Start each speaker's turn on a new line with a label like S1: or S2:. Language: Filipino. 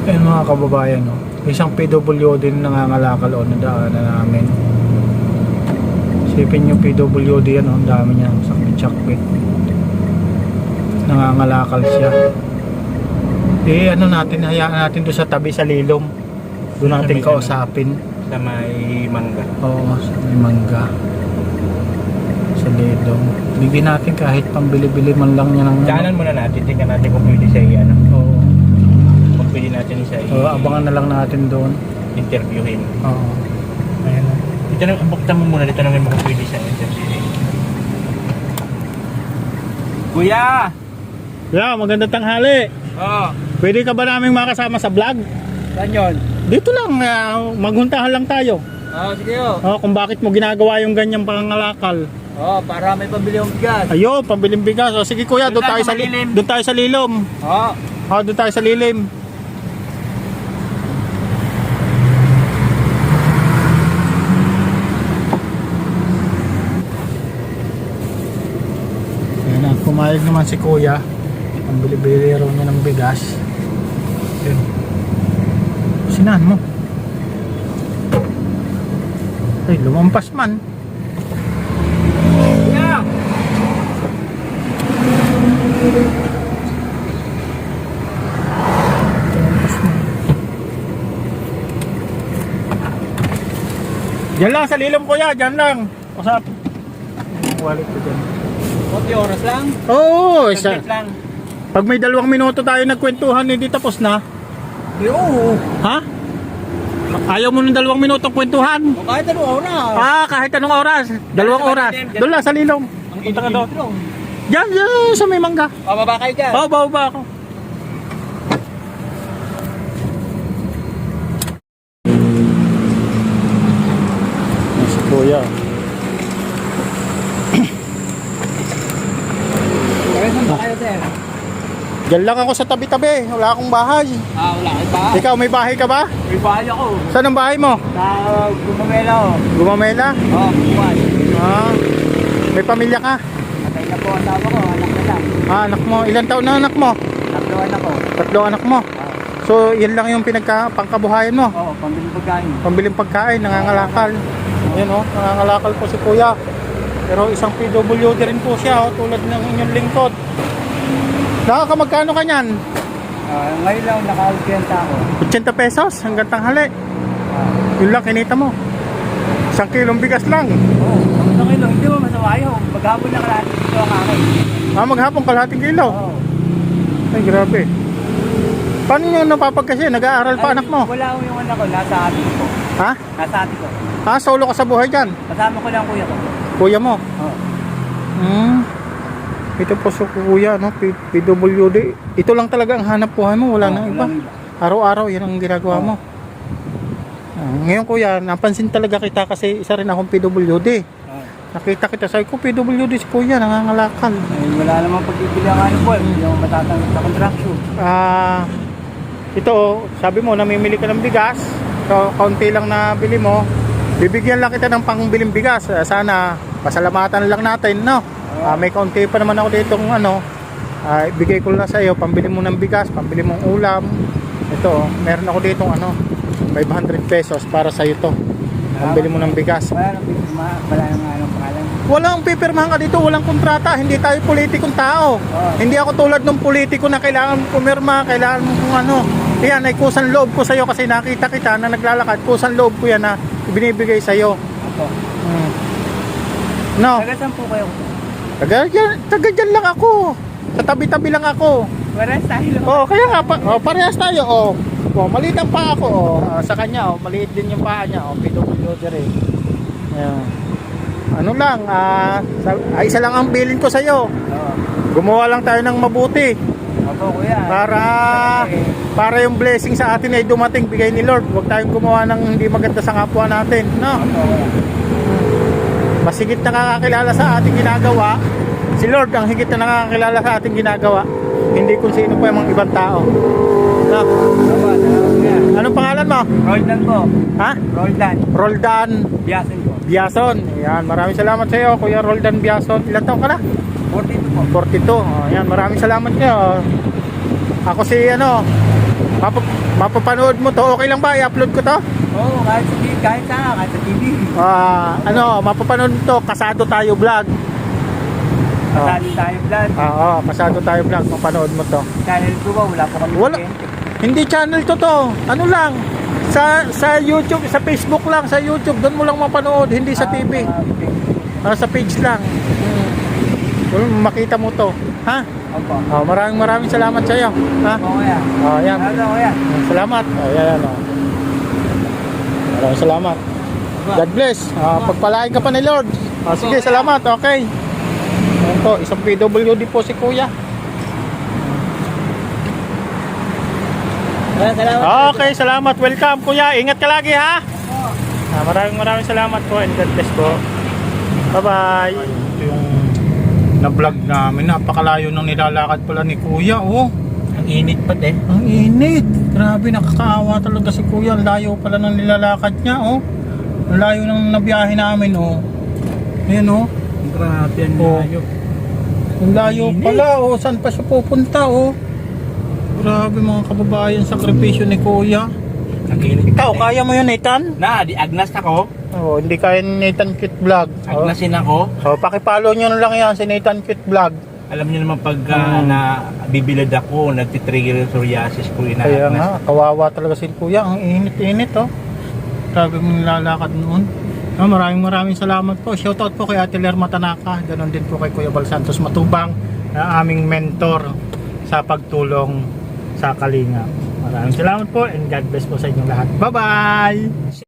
S1: Ayan mga kababayan, no? Isang PWD din nangangalakal o nadaanan namin. Isipin yung PWD yan, no? Ang dami niya, sakbit-sakbit. Nangangalakal siya. Ano natin, hayaan natin doon sa tabi sa Lilom. Doon natin kausapin.
S2: Sa may mangga.
S1: Oo, sa may mangga. Sa Lilom. Bigyan natin kahit pambili-bili man lang niya ng...
S2: Daanan muna natin, tingnan natin kung pwede siya i-ano.
S1: Oo.
S2: Kung pwede natin siya
S1: Abangan na lang natin doon.
S2: interviewin.
S1: Oo. Ayan.
S2: Dito na, buktan mo muna, dito namin kung pwede siya interviewin. Kuya!
S1: Yeah, magandang tanghali.
S2: Oo.
S1: Pwede ka ba naming makasama sa vlog?
S2: Saan yun?
S1: Dito lang, maghuntahan lang tayo.
S2: Sige o.
S1: Kung bakit mo ginagawa yung ganyang pangangalakal.
S2: Para may pambili yung bigas.
S1: Ayun, pambiling bigas. Sige kuya, doon tayo sa lilim. Doon tayo sa Lilom. Doon tayo sa Lilim. Ayan na, pumayag naman si kuya. Pambili-bili raw niya ng bigas. Ayun. Sinahan mo. Ay, lumampas man.
S2: Kuya!
S1: Diyan lang sa Lilom kuya, diyan lang. Usap. Wallet ko dyan.
S2: 40 oras lang?
S1: Oo,
S2: Saglit lang.
S1: pag may 2 minuto tayo nagkwentuhan, hindi tapos na.
S2: Oo.
S1: Ha? Ayaw mo ng 2 minutong kwentuhan?
S2: Kahit anong oras.
S1: Kahit anong oras. 2 oras. Doon lang sa Lilom.
S2: Ang punta ka doon.
S1: Diyan, sa may mangga.
S2: Bababa kayo dyan.
S1: Baba ako. Si kuya.
S2: Saan ba kayo, sir?
S1: Diyan lang ako sa tabi-tabi. Wala akong bahay.
S2: Wala kayo ba?
S1: Ikaw, may bahay ka ba?
S2: May bahay ako.
S1: Saan ang bahay mo?
S2: Sa Gumamela ako.
S1: Gumamela?
S2: Buwan.
S1: May pamilya ka?
S2: Patay na po ang tama ko. Anak na lang.
S1: Anak mo. Ilan taon na anak mo?
S2: Tatluan ako.
S1: 3 anak mo. So, yan lang yung pangkabuhayan mo.
S2: Pambiling pagkain.
S1: Pambiling pagkain, nangangalakal. Yan nangangalakal po si kuya. Pero isang PWD rin po siya, tulad ng inyong lingkod. Magkano ka niyan?
S2: Ngayon lang naka-audience ako.
S1: 80 pesos hanggang tanghali. Yun lang kinita mo. 1 kilong bigas lang.
S2: Ang ngayon lang, hindi mo masama yun. Maghapon na kalahati dito ang akin.
S1: Maghapon kalahating kilo. Ay, grabe. Paano nyo napapagkasi? Nag-aaral pa anak mo?
S2: Wala akong yung anak ko, nasa ati ko.
S1: Ha?
S2: Nasa ati ko.
S1: Solo ka sa buhay dyan?
S2: Kasama ko lang kuya ko.
S1: Kuya mo? Ito po sa kuya, no? PWD. Ito lang talaga ang hanap buhay mo, wala nang iba. Araw-araw, yan ang ginagawa mo. Ngayon kuya, napansin talaga kita kasi isa rin akong PWD. Nakita kita, sabi ko PWD si kuya, nangangalakal.
S2: Wala namang pag-ibili ang ano po, hindi ako matatanggap sa contraction.
S1: Ito, sabi mo, namimili ka ng bigas. So, kaunti lang na bili mo. Bibigyan lang kita ng pangbiling bigas. Sana, pasalamatan lang natin, no? May kaunti pa naman ako ditong ibigay ko lang sa iyo, pambili mo ng bigas, pambili mong ulam. Ito, meron ako ditong 500 pesos para sa iyo to. Pambili mo ng bigas.
S2: Wala nang anong pangalan.
S1: Walang pipirmahan ka dito, walang kontrata. Hindi tayo politikong tao. Hindi ako tulad ng politiko na kailangan pumirma, kailangan mo kung ano. Yan, ay kusang loob ko sa iyo kasi nakita kita na naglalakad. Kusang loob ko yan na binibigay sa iyo. No.
S2: Taga saan po kayo?
S1: Taga dyan lang ako. Sa tabi-tabi lang ako.
S2: Parehas tayo.
S1: Kaya nga, parehas tayo. Maliit ang paa ko. Sa kanya, maliit din yung paa niya. PWD rin. Ayan. Ano lang, isa lang ang bilin ko sa'yo. Gumawa lang tayo ng mabuti.
S2: Opo, kuya.
S1: Para yung blessing sa atin ay dumating, bigay ni Lord. Huwag tayong gumawa ng hindi maganda sa kapwa natin. No?
S2: Opo, kuya.
S1: Mas higit na nakakakilala sa ating ginagawa. Si Lord ang higit na nakakakilala sa ating ginagawa. Hindi kung sino pa yung mga ibang tao. No? Anong pangalan mo?
S2: Roldan po.
S1: Ha?
S2: Roldan.
S1: Roldan
S2: Biasin po.
S1: Biason. Yan, maraming salamat sa iyo, Kuya Roldan Biason. Ilan taon ka na?
S2: 42 po.
S1: 42. Yan, maraming salamat niyo. Ako si Mapapanood mo to, okay lang ba? I-upload ko to?
S2: Oo, kahit sa TV, kahit sa TV.
S1: Mapapanood mo to, Kasado Tayo Vlog.
S2: Pasado tayo vlog.
S1: Oo, Kasado Tayo Vlog, mapanood mo to.
S2: Channel ko ba? Wala pa kami
S1: Wala.
S2: kuryente.
S1: Hindi channel to. Ano lang, sa YouTube, sa Facebook lang, sa YouTube, doon mo lang mapanood, hindi sa TV. Sa page lang. Doon makita mo to. Ha?
S2: Opo.
S1: Maraming salamat sa iyo. Ha?
S2: Oo, kuya.
S1: Yan.
S2: Ano, kuya?
S1: Salamat. Ayan. Maraming salamat. God bless. Pagpalain ka pa ni Lord. Sige, salamat. Okay. Ayan po, isang PWD po si Kuya.
S2: Salamat.
S1: Okay, salamat. Welcome, Kuya. Ingat ka lagi, ha? Maraming salamat po and God bless po. Bye-bye. Ito yung na-vlog namin. Napakalayo ng nilalakad pala ni Kuya, oh.
S2: Ang init pa din.
S1: Ang init. Grabe, nakakaawa talaga si Kuya. Ang layo pala ng nilalakad niya, oh. Ang layo ng nabiyahe namin, oh. Ayan, oh.
S2: Grabe, ang
S1: Oh.
S2: layo.
S1: Ang layo pala, oh. Saan pa siya pupunta, oh. Grabe mga kababayan, sakripisyo ni Kuya.
S2: Ang init.
S1: Ikaw, kaya mo yun, Nathan?
S2: Di agnas ako.
S1: Oh, hindi kaya ni Nathan Cute Vlog.
S2: Agnasin ako.
S1: So, pakipollow nyo na lang yan si Nathan Cute Vlog.
S2: Alam niyo naman pag na bibilad ako, nagtitrigger yung psoriasis ko,
S1: Kaya
S2: inaagnas.
S1: nga, kawawa talaga si Kuya. Ang init-init, oh. Grabe mong nilalakad noon. Maraming salamat po. Shoutout po kay Ate Lerma Tanaka. Ganon din po kay Kuya Bal Santos Matubang, na aming mentor sa pagtulong sa Kalinga. Maraming salamat po and God bless po sa inyong lahat. Bye-bye!